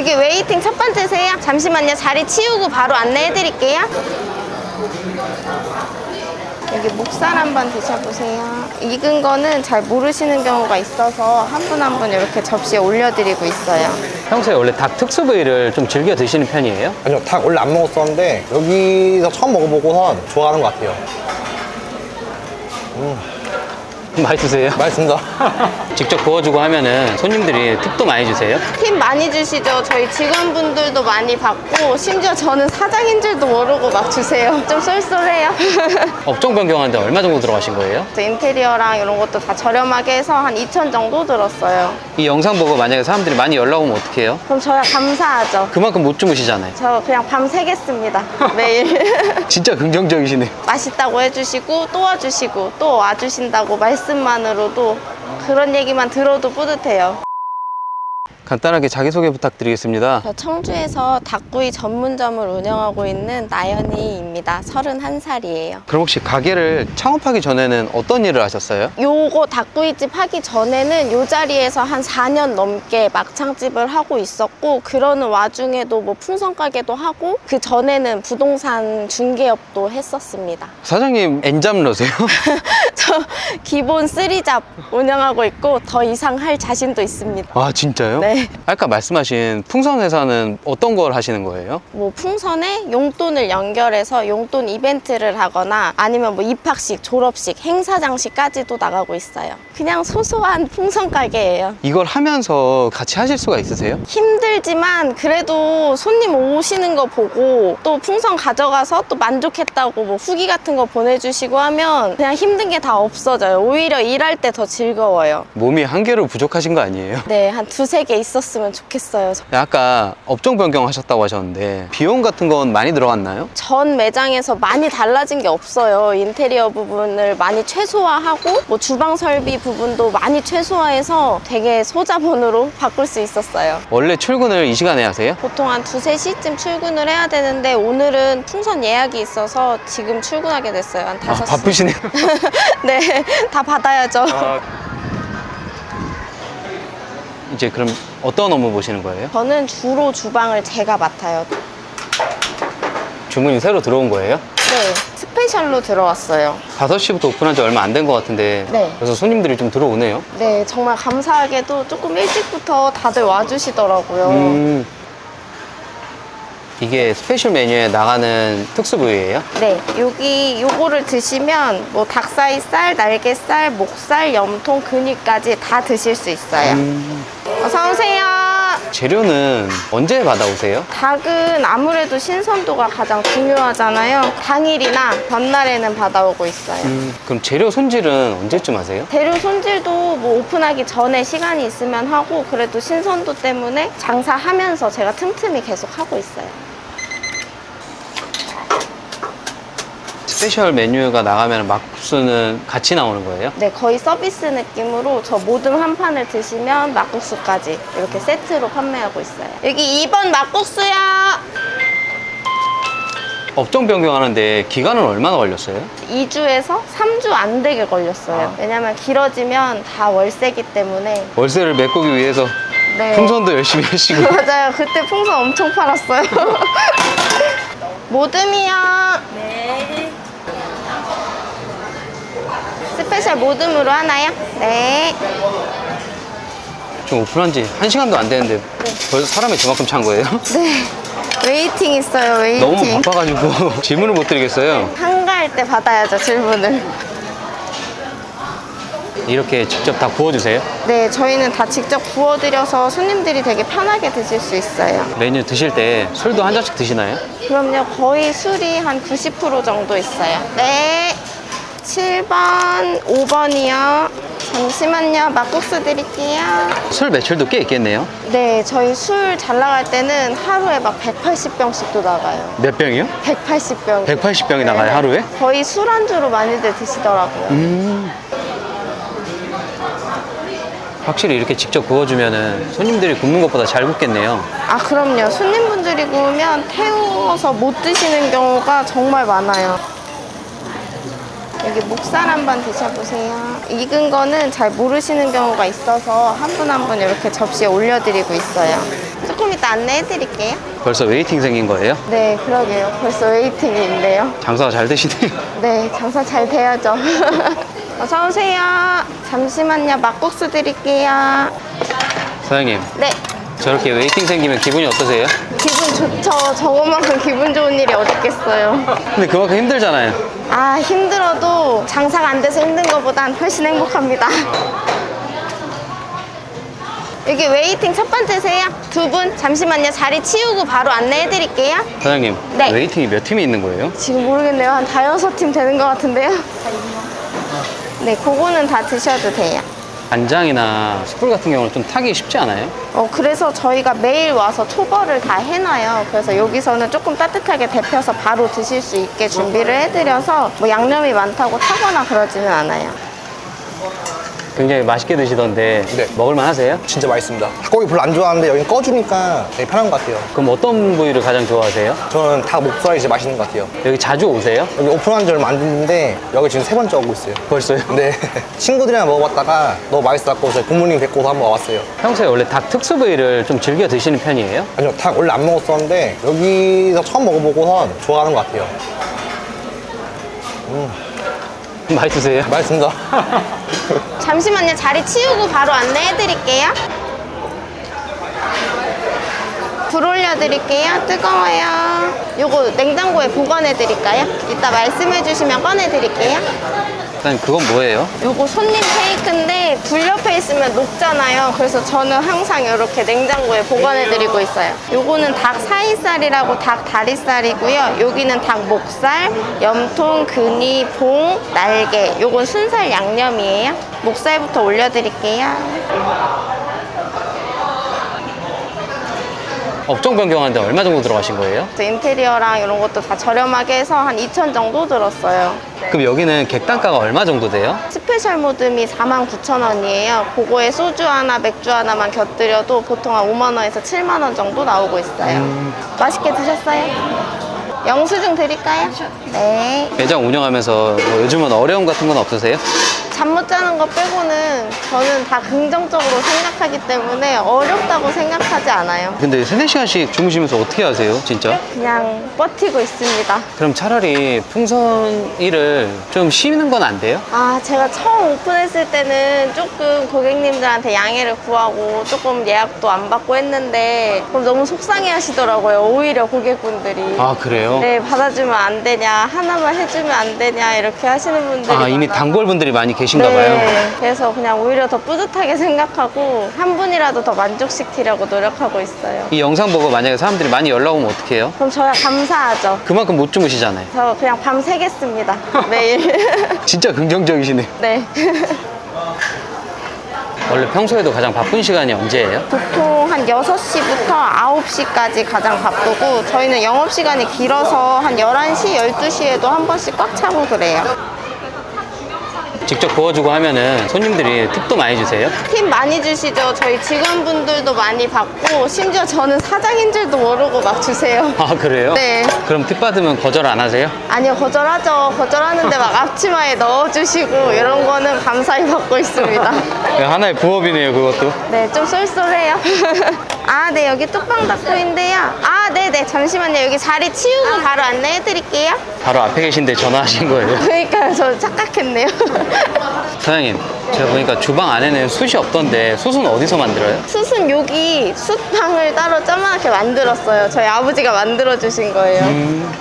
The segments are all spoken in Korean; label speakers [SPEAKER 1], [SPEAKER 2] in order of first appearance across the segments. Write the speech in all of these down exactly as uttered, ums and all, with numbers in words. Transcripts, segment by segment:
[SPEAKER 1] 여기 웨이팅 첫 번째세요? 잠시만요. 자리 치우고 바로 안내해 드릴게요. 여기 목살 한번 드셔보세요. 익은 거는 잘 모르시는 경우가 있어서 한 분 한 분 이렇게 접시에 올려드리고 있어요.
[SPEAKER 2] 평소에 원래 닭 특수 부위를 좀 즐겨 드시는 편이에요?
[SPEAKER 3] 아니요, 닭 원래 안 먹었었는데 여기서 처음 먹어보고선 좋아하는 것 같아요. 음,
[SPEAKER 2] 맛있으세요?
[SPEAKER 3] 맛있습니다.
[SPEAKER 2] 직접 구워주고 하면은 손님들이 팁도 많이 주세요?
[SPEAKER 1] 팁 많이 주시죠. 저희 직원분들도 많이 받고 심지어 저는 사장인 줄도 모르고 막 주세요. 좀 쏠쏠해요.
[SPEAKER 2] 업종 변경하는데 얼마 정도 들어가신 거예요?
[SPEAKER 1] 인테리어랑 이런 것도 다 저렴하게 해서 한 이천 정도 들었어요.
[SPEAKER 2] 이 영상 보고 만약에 사람들이 많이 연락 오면 어떡해요?
[SPEAKER 1] 그럼 저야 감사하죠.
[SPEAKER 2] 그만큼 못 주무시잖아요.
[SPEAKER 1] 저 그냥 밤 새겠습니다. 매일.
[SPEAKER 2] 진짜 긍정적이시네요.
[SPEAKER 1] 맛있다고 해주시고 또 와주시고 또 와주신다고 말씀만으로도 그런 얘기만 들어도 뿌듯해요.
[SPEAKER 2] 간단하게 자기소개 부탁드리겠습니다.
[SPEAKER 1] 저 청주에서 닭구이 전문점을 운영하고 있는 나연이입니다. 서른한 살이에요.
[SPEAKER 2] 그럼 혹시 가게를 창업하기 전에는 어떤 일을 하셨어요?
[SPEAKER 1] 요거 닭구이집 하기 전에는 요 자리에서 한 사 년 넘게 막창집을 하고 있었고, 그러는 와중에도 뭐 풍선가게도 하고, 그 전에는 부동산 중개업도 했었습니다.
[SPEAKER 2] 사장님 엔잡러세요?
[SPEAKER 1] 저 기본 쓰리잡 운영하고 있고 더 이상 할 자신도 있습니다.
[SPEAKER 2] 아 진짜요?
[SPEAKER 1] 네.
[SPEAKER 2] 아까 말씀하신 풍선회사는 어떤 걸 하시는 거예요?
[SPEAKER 1] 뭐 풍선에 용돈을 연결해서 용돈 이벤트를 하거나 아니면 뭐 입학식, 졸업식, 행사장식까지도 나가고 있어요. 그냥 소소한 풍선 가게예요.
[SPEAKER 2] 이걸 하면서 같이 하실 수가 있으세요?
[SPEAKER 1] 힘들지만 그래도 손님 오시는 거 보고 또 풍선 가져가서 또 만족했다고 뭐 후기 같은 거 보내주시고 하면 그냥 힘든 게 다 없어져요. 오히려 일할 때 더 즐거워요.
[SPEAKER 2] 몸이 한 개로 부족하신 거 아니에요?
[SPEAKER 1] 네, 한 두세 개 있었으면 좋겠어요.
[SPEAKER 2] 아까 업종 변경하셨다고 하셨는데 비용 같은 건 많이 들어갔나요?
[SPEAKER 1] 전 매장에서 많이 달라진 게 없어요. 인테리어 부분을 많이 최소화하고 뭐 주방 설비 부분도 많이 최소화해서 되게 소자본으로 바꿀 수 있었어요.
[SPEAKER 2] 원래 출근을 이 시간에 하세요?
[SPEAKER 1] 보통 한 두세 시쯤 출근을 해야 되는데 오늘은 풍선 예약이 있어서 지금 출근하게 됐어요. 한
[SPEAKER 2] 아,
[SPEAKER 1] 다섯 시.
[SPEAKER 2] 바쁘시네요.
[SPEAKER 1] 네, 다 받아야죠.
[SPEAKER 2] 이제 그럼 어떤 업무 보시는 거예요?
[SPEAKER 1] 저는 주로 주방을 제가 맡아요.
[SPEAKER 2] 주문이 새로 들어온 거예요?
[SPEAKER 1] 네, 스페셜로 들어왔어요.
[SPEAKER 2] 다섯 시부터 오픈한 지 얼마 안 된 것 같은데
[SPEAKER 1] 네.
[SPEAKER 2] 그래서 손님들이 좀 들어오네요.
[SPEAKER 1] 네, 정말 감사하게도 조금 일찍부터 다들 와주시더라고요.
[SPEAKER 2] 음, 이게 스페셜 메뉴에 나가는 특수 부위예요?
[SPEAKER 1] 네, 여기 요거를 드시면 뭐 닭사이살, 날개살, 목살, 염통, 근육까지 다 드실 수 있어요.
[SPEAKER 2] 음,
[SPEAKER 1] 어서 오세요.
[SPEAKER 2] 재료는 언제 받아오세요?
[SPEAKER 1] 닭은 아무래도 신선도가 가장 중요하잖아요. 당일이나 전날에는 받아오고 있어요.
[SPEAKER 2] 음, 그럼 재료 손질은 언제쯤 하세요?
[SPEAKER 1] 재료 손질도 뭐 오픈하기 전에 시간이 있으면 하고, 그래도 신선도 때문에 장사하면서 제가 틈틈이 계속 하고 있어요.
[SPEAKER 2] 스페셜 메뉴가 나가면 막국수는 같이 나오는 거예요?
[SPEAKER 1] 네, 거의 서비스 느낌으로 저 모듬 한 판을 드시면 막국수까지 이렇게 세트로 판매하고 있어요. 여기 이 번 막국수요.
[SPEAKER 2] 업종 변경하는데 기간은 얼마나 걸렸어요?
[SPEAKER 1] 이 주에서 삼 주 안 되게 걸렸어요.
[SPEAKER 2] 아.
[SPEAKER 1] 왜냐면 길어지면 다 월세기 때문에.
[SPEAKER 2] 월세를 메꾸기 위해서
[SPEAKER 1] 네.
[SPEAKER 2] 풍선도 열심히 하시고.
[SPEAKER 1] 맞아요. 그때 풍선 엄청 팔았어요. 모듬이요. 네. 스페셜 모듬으로 하나요? 네.
[SPEAKER 2] 지금 오픈한 지 한 시간도 안 되는데 벌써 사람이 저만큼 찬 거예요?
[SPEAKER 1] 네. 웨이팅 있어요, 웨이팅.
[SPEAKER 2] 너무 바빠가지고 질문을 못 드리겠어요.
[SPEAKER 1] 한가할 때 받아야죠, 질문을.
[SPEAKER 2] 이렇게 직접 다 구워주세요?
[SPEAKER 1] 네, 저희는 다 직접 구워드려서 손님들이 되게 편하게 드실 수 있어요.
[SPEAKER 2] 메뉴 드실 때 술도 한 잔씩 드시나요?
[SPEAKER 1] 그럼요, 거의 술이 한 구십 퍼센트 정도 있어요. 네. 칠 번, 오 번이요. 잠시만요, 막국수 드릴게요.
[SPEAKER 2] 술 매출도 꽤 있겠네요?
[SPEAKER 1] 네, 저희 술 잘 나갈 때는 하루에 막 백팔십 병씩도 나가요.
[SPEAKER 2] 몇 병이요?
[SPEAKER 1] 백팔십 병.
[SPEAKER 2] 백팔십 병이 나가요, 하루에?
[SPEAKER 1] 거의 술안주로 많이들 드시더라고요.
[SPEAKER 2] 음. 확실히 이렇게 직접 구워주면은 손님들이 굽는 것보다 잘 굽겠네요.
[SPEAKER 1] 아, 그럼요. 손님분들이 구우면 태워서 못 드시는 경우가 정말 많아요. 여기 목살 한번 드셔보세요. 익은 거는 잘 모르시는 경우가 있어서 한 분 한 분 이렇게 접시에 올려드리고 있어요. 조금 이따 이따 안내해 드릴게요.
[SPEAKER 2] 벌써 웨이팅 생긴 거예요?
[SPEAKER 1] 네, 그러게요. 벌써 웨이팅이 있네요.
[SPEAKER 2] 장사가 잘 되시네요.
[SPEAKER 1] 네, 장사 잘 돼야죠. 어서 오세요. 잠시만요. 막국수 드릴게요.
[SPEAKER 2] 사장님,
[SPEAKER 1] 네,
[SPEAKER 2] 저렇게 웨이팅 생기면 기분이 어떠세요?
[SPEAKER 1] 기분 좋죠. 저것만큼 기분 좋은 일이 어딨겠어요.
[SPEAKER 2] 근데 그만큼 힘들잖아요.
[SPEAKER 1] 아, 힘들어도 장사가 안 돼서 힘든 것보단 훨씬 행복합니다. 여기 웨이팅 첫 번째세요? 두 분 잠시만요. 자리 치우고 바로 안내해 드릴게요.
[SPEAKER 2] 사장님,
[SPEAKER 1] 네.
[SPEAKER 2] 웨이팅이 몇 팀이 있는 거예요?
[SPEAKER 1] 지금 모르겠네요. 한 다여섯 팀 되는 것 같은데요. 네, 그거는 다 드셔도 돼요.
[SPEAKER 2] 간장이나 숯불 같은 경우는 좀 타기 쉽지 않아요?
[SPEAKER 1] 어, 그래서 저희가 매일 와서 초벌을 다 해놔요. 그래서 여기서는 조금 따뜻하게 데펴서 바로 드실 수 있게 준비를 해드려서 뭐 양념이 많다고 타거나 그러지는 않아요.
[SPEAKER 2] 굉장히 맛있게 드시던데
[SPEAKER 3] 네.
[SPEAKER 2] 먹을만 하세요?
[SPEAKER 3] 진짜 맛있습니다. 닭고기 별로 안 좋아하는데 여긴 꺼주니까 되게 편한 것 같아요.
[SPEAKER 2] 그럼 어떤 부위를 가장 좋아하세요?
[SPEAKER 3] 저는 닭 목살이 진짜 맛있는 것 같아요.
[SPEAKER 2] 여기 자주 오세요?
[SPEAKER 3] 여기 오픈한 지 얼마 안 됐는데 여기 지금 세 번째 오고 있어요.
[SPEAKER 2] 벌써요?
[SPEAKER 3] 네. 친구들이랑 먹어봤다가 너무 맛있어갖고 저희 부모님 뵙고서 한번 와봤어요.
[SPEAKER 2] 평소에 원래 닭 특수 부위를 좀 즐겨 드시는 편이에요?
[SPEAKER 3] 아니요, 닭 원래 안 먹었었는데 여기서 처음 먹어보고선 좋아하는 것 같아요.
[SPEAKER 2] 맛있으세요?
[SPEAKER 3] 맛있습니다.
[SPEAKER 1] 잠시만요. 자리 치우고 바로 안내해 드릴게요. 불 올려드릴게요. 뜨거워요. 요거 냉장고에 보관해 드릴까요? 이따 말씀해 주시면 꺼내 드릴게요.
[SPEAKER 2] 사장님, 그건 뭐예요?
[SPEAKER 1] 요거 손님 케이크인데 불 옆에 있으면 녹잖아요. 그래서 저는 항상 이렇게 냉장고에 보관해 드리고 있어요. 요거는 닭 사이살이라고 닭 다리살이고요. 여기는 닭 목살, 염통, 근이, 봉, 날개. 요건 순살 양념이에요. 목살부터 올려드릴게요.
[SPEAKER 2] 업종 변경하는데 얼마 정도 들어가신 거예요?
[SPEAKER 1] 또 인테리어랑 이런 것도 다 저렴하게 해서 한 이천 정도 들었어요.
[SPEAKER 2] 그럼 여기는 객단가가 얼마 정도 돼요?
[SPEAKER 1] 스페셜 모듬이 사만 구천 원이에요. 그거에 소주 하나, 맥주 하나만 곁들여도 보통 한 오만 원에서 칠만 원 정도 나오고 있어요.
[SPEAKER 2] 음.
[SPEAKER 1] 맛있게 드셨어요? 영수증 드릴까요? 네.
[SPEAKER 2] 매장 운영하면서 뭐 요즘은 어려움 같은 건 없으세요?
[SPEAKER 1] 잠 못 자는 거 빼고는 저는 다 긍정적으로 생각하기 때문에 어렵다고 생각하지 않아요.
[SPEAKER 2] 근데 세네 시간씩 주무시면서 어떻게 하세요, 진짜?
[SPEAKER 1] 그냥 버티고 있습니다.
[SPEAKER 2] 그럼 차라리 풍선 일을 좀 쉬는 건 안 돼요?
[SPEAKER 1] 아, 제가 처음 오픈했을 때는 조금 고객님들한테 양해를 구하고 조금 예약도 안 받고 했는데 그럼 너무 속상해 하시더라고요. 오히려 고객분들이.
[SPEAKER 2] 아, 그래요?
[SPEAKER 1] 네, 받아주면 안 되냐, 하나만 해주면 안 되냐, 이렇게 하시는 분들이.
[SPEAKER 2] 아, 이미
[SPEAKER 1] 많아서.
[SPEAKER 2] 단골분들이 많이 계신가 봐요.
[SPEAKER 1] 네, 그래서 그냥 오히려 더 뿌듯하게 생각하고 한 분이라도 더 만족시키려고 노력하고 있어요.
[SPEAKER 2] 이 영상 보고 만약에 사람들이 많이 연락 오면 어떡해요?
[SPEAKER 1] 그럼 저야 감사하죠.
[SPEAKER 2] 그만큼 못 주무시잖아요.
[SPEAKER 1] 저 그냥 밤 새겠습니다. 매일.
[SPEAKER 2] 진짜 긍정적이시네요.
[SPEAKER 1] 네.
[SPEAKER 2] 원래 평소에도 가장 바쁜 시간이 언제예요?
[SPEAKER 1] 보통 한 여섯 시부터 아홉 시까지 가장 바쁘고 저희는 영업시간이 길어서 한 열한 시, 열두 시에도 한 번씩 꽉 차고 그래요.
[SPEAKER 2] 직접 구워주고 하면은 손님들이 팁도 많이 주세요?
[SPEAKER 1] 팁 많이 주시죠. 저희 직원분들도 많이 받고 심지어 저는 사장인 줄도 모르고 막 주세요.
[SPEAKER 2] 아, 그래요?
[SPEAKER 1] 네.
[SPEAKER 2] 그럼 팁 받으면 거절 안 하세요?
[SPEAKER 1] 아니요, 거절하죠. 거절하는데 막 앞치마에 넣어주시고 이런 거는 감사히 받고 있습니다.
[SPEAKER 2] 네, 하나의 부업이네요, 그것도.
[SPEAKER 1] 네, 좀 쏠쏠해요. 아, 네, 여기 뚝방 닭도인데요. 아, 네네, 잠시만요. 여기 자리 치우고 바로 안내해드릴게요.
[SPEAKER 2] 바로 앞에 계신데 전화하신 거예요.
[SPEAKER 1] 그러니까요, 저 착각했네요.
[SPEAKER 2] 사장님, 제가 보니까 주방 안에는 숯이 없던데 숯은 어디서 만들어요?
[SPEAKER 1] 숯은 여기 숯방을 따로 조그맣게 만들었어요. 저희 아버지가 만들어주신 거예요.
[SPEAKER 2] 음.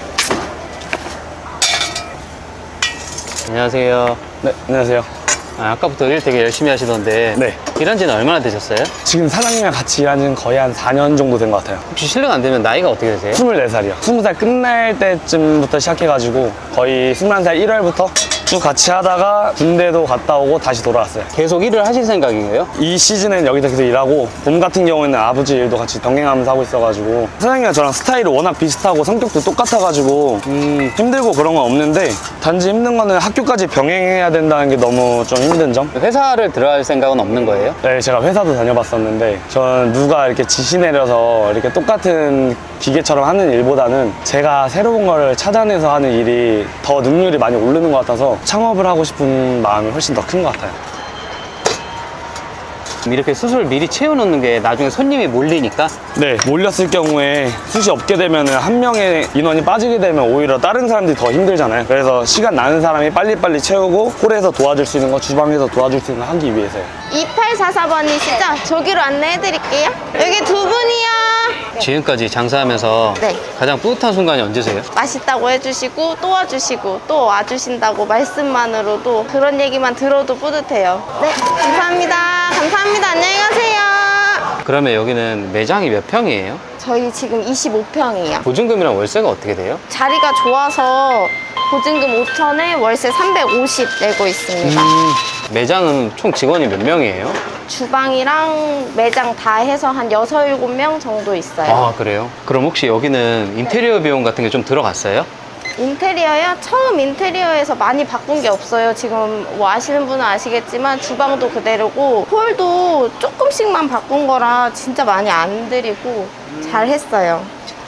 [SPEAKER 2] 안녕하세요.
[SPEAKER 4] 네, 안녕하세요.
[SPEAKER 2] 아, 아까부터 일 되게 열심히 하시던데
[SPEAKER 4] 네.
[SPEAKER 2] 일한 지는 얼마나 되셨어요?
[SPEAKER 4] 지금 사장님이랑 같이 일한 지는 거의 한 사 년 정도 된 것 같아요.
[SPEAKER 2] 혹시 실례가 안 되면 나이가 어떻게 되세요?
[SPEAKER 4] 스물네 살이요. 스무 살 끝날 때쯤부터 시작해가지고 거의 스물한 살 일월부터 쭉 같이 하다가 군대도 갔다 오고 다시 돌아왔어요.
[SPEAKER 2] 계속 일을 하실 생각이에요?
[SPEAKER 4] 이 시즌은 여기서 계속 일하고 봄 같은 경우에는 아버지 일도 같이 병행하면서 하고 있어가지고 사장님이랑 저랑 스타일이 워낙 비슷하고 성격도 똑같아가지고 음, 힘들고 그런 건 없는데 단지 힘든 거는 학교까지 병행해야 된다는 게 너무 좀 힘든 점?
[SPEAKER 2] 회사를 들어갈 생각은 없는 거예요?
[SPEAKER 4] 네, 제가 회사도 다녀봤었는데 저는 누가 이렇게 지시 내려서 이렇게 똑같은 기계처럼 하는 일보다는 제가 새로운 걸 찾아내서 하는 일이 더 능률이 많이 오르는 것 같아서 창업을 하고 싶은 마음이 훨씬 더 큰 것 같아요.
[SPEAKER 2] 이렇게 숯을 미리 채워놓는 게 나중에 손님이 몰리니까.
[SPEAKER 4] 네, 몰렸을 경우에 숯이 없게 되면 한 명의 인원이 빠지게 되면 오히려 다른 사람들이 더 힘들잖아요. 그래서 시간 나는 사람이 빨리빨리 채우고 홀에서 도와줄 수 있는 거, 주방에서 도와줄 수 있는 거 하기 위해서요.
[SPEAKER 1] 이팔사사 번이시죠? 저기로 안내해드릴게요. 여기 두 분이요.
[SPEAKER 2] 지금까지 장사하면서
[SPEAKER 1] 네.
[SPEAKER 2] 가장 뿌듯한 순간이 언제세요?
[SPEAKER 1] 맛있다고 해주시고 또 와주시고 또 와주신다고 말씀만으로도 그런 얘기만 들어도 뿌듯해요. 네, 감사합니다. 감사합니다. 안녕히 가세요.
[SPEAKER 2] 그러면 여기는 매장이 몇 평이에요?
[SPEAKER 1] 저희 지금 이십오 평이에요.
[SPEAKER 2] 보증금이랑 월세가 어떻게 돼요?
[SPEAKER 1] 자리가 좋아서 보증금 오천에 월세 삼백오십 내고 있습니다.
[SPEAKER 2] 음, 매장은 총 직원이 몇 명이에요?
[SPEAKER 1] 주방이랑 매장 다 해서 한 여섯, 일곱 명 정도 있어요.
[SPEAKER 2] 아, 그래요? 그럼 혹시 여기는 인테리어 비용 같은 게 좀 들어갔어요?
[SPEAKER 1] 인테리어요? 처음 인테리어에서 많이 바꾼 게 없어요. 지금 뭐 아시는 분은 아시겠지만 주방도 그대로고 홀도 조금씩만 바꾼 거라 진짜 많이 안 들이고 잘 했어요.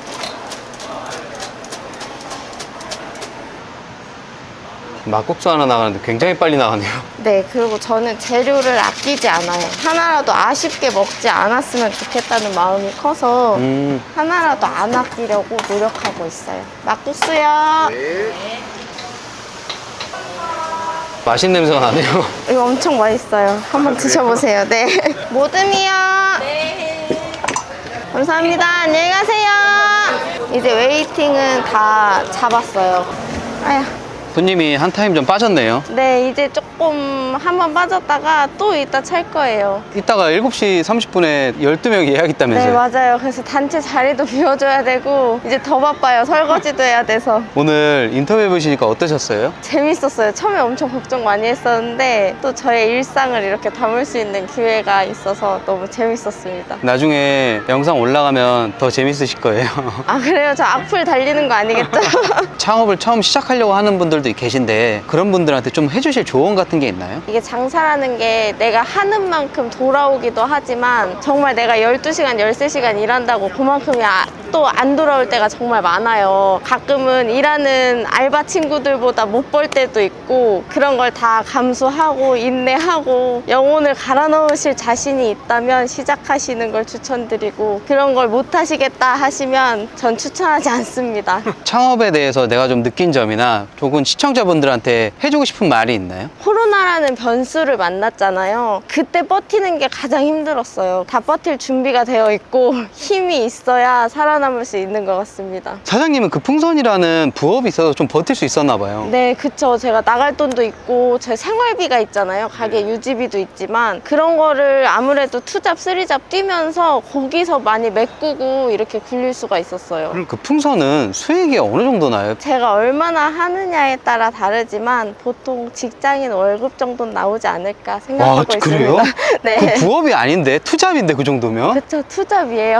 [SPEAKER 2] 막국수 하나 나가는데 굉장히 빨리 나가네요.
[SPEAKER 1] 네, 그리고 저는 재료를 아끼지 않아요. 하나라도 아쉽게 먹지 않았으면 좋겠다는 마음이 커서
[SPEAKER 2] 음,
[SPEAKER 1] 하나라도 안 아끼려고 노력하고 있어요. 막국수요.
[SPEAKER 2] 맛있는 냄새가 나네요.
[SPEAKER 1] 이거 엄청 맛있어요. 한번 드셔보세요. 네. 모듬이요. 네. 감사합니다. 안녕히 가세요. 이제 웨이팅은 다 잡았어요. 아야.
[SPEAKER 2] 손님이 한 타임 좀 빠졌네요.
[SPEAKER 1] 네, 이제 조금 한번 빠졌다가 또 이따 찰 거예요.
[SPEAKER 2] 이따가 일곱 시 삼십 분에 열두 명 예약
[SPEAKER 1] 네,
[SPEAKER 2] 있다면서요?
[SPEAKER 1] 맞아요. 그래서 단체 자리도 비워줘야 되고 이제 더 바빠요. 설거지도 해야 돼서.
[SPEAKER 2] 오늘 인터뷰 해보시니까 어떠셨어요?
[SPEAKER 1] 재밌었어요. 처음에 엄청 걱정 많이 했었는데 또 저의 일상을 이렇게 담을 수 있는 기회가 있어서 너무 재밌었습니다.
[SPEAKER 2] 나중에 영상 올라가면 더 재밌으실 거예요.
[SPEAKER 1] 아, 그래요? 저 악플 달리는 거 아니겠죠?
[SPEAKER 2] 창업을 처음 시작하려고 하는 분들도 계신데 그런 분들한테 좀 해주실 조언 같은 게 있나요?
[SPEAKER 1] 이게 장사라는 게 내가 하는 만큼 돌아오기도 하지만 정말 내가 열두 시간, 열세 시간 일한다고 그만큼이 아, 또 안 돌아올 때가 정말 많아요. 가끔은 일하는 알바 친구들보다 못 벌 때도 있고 그런 걸 다 감수하고 인내하고 영혼을 갈아 넣으실 자신이 있다면 시작하시는 걸 추천드리고 그런 걸 못 하시겠다 하시면 전 추천하지 않습니다.
[SPEAKER 2] 창업에 대해서 내가 좀 느낀 점이나 조금 시청자분들한테 해주고 싶은 말이 있나요?
[SPEAKER 1] 코로나라는 변수를 만났잖아요. 그때 버티는 게 가장 힘들었어요. 다 버틸 준비가 되어 있고 힘이 있어야 살아남을 수 있는 것 같습니다.
[SPEAKER 2] 사장님은 그 풍선이라는 부업이 있어서 좀 버틸 수 있었나 봐요.
[SPEAKER 1] 네, 그쵸. 제가 나갈 돈도 있고 제 생활비가 있잖아요. 가게 유지비도 있지만 그런 거를 아무래도 투잡, 쓰리잡 뛰면서 거기서 많이 메꾸고 이렇게 굴릴 수가 있었어요.
[SPEAKER 2] 그럼 그 풍선은 수익이 어느 정도 나요?
[SPEAKER 1] 제가 얼마나 하느냐에 따라 다르지만 보통 직장인 월급 정도는 나오지 않을까 생각하고
[SPEAKER 2] 와, 그래요?
[SPEAKER 1] 있습니다. 네.
[SPEAKER 2] 그 부업이 아닌데 투잡인데 그 정도면?
[SPEAKER 1] 그쵸, 투잡이에요.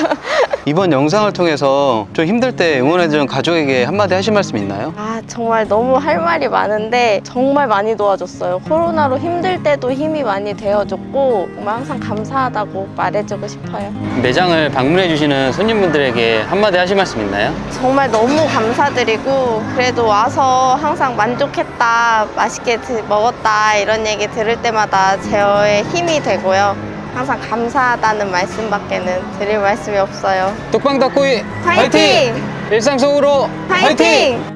[SPEAKER 2] 이번 영상을 통해서 좀 힘들 때 응원해주는 가족에게 한마디 하실 말씀 있나요?
[SPEAKER 1] 아, 정말 너무 할 말이 많은데 정말 많이 도와줬어요. 코로나로 힘들 때도 힘이 많이 되어줬고 정말 항상 감사하다고 말해주고 싶어요.
[SPEAKER 2] 매장을 방문해주시는 손님분들에게 한마디 하실 말씀 있나요?
[SPEAKER 1] 정말 너무 감사드리고 그래도 와서 항상 만족했다, 맛있게 드- 먹었다 이런 얘기 들을 때마다 저의 힘이 되고요. 항상 감사하다는 말씀밖에는 드릴 말씀이 없어요.
[SPEAKER 2] 뚝방 닭구이
[SPEAKER 1] 화이팅!
[SPEAKER 2] 일상 속으로
[SPEAKER 1] 화이팅!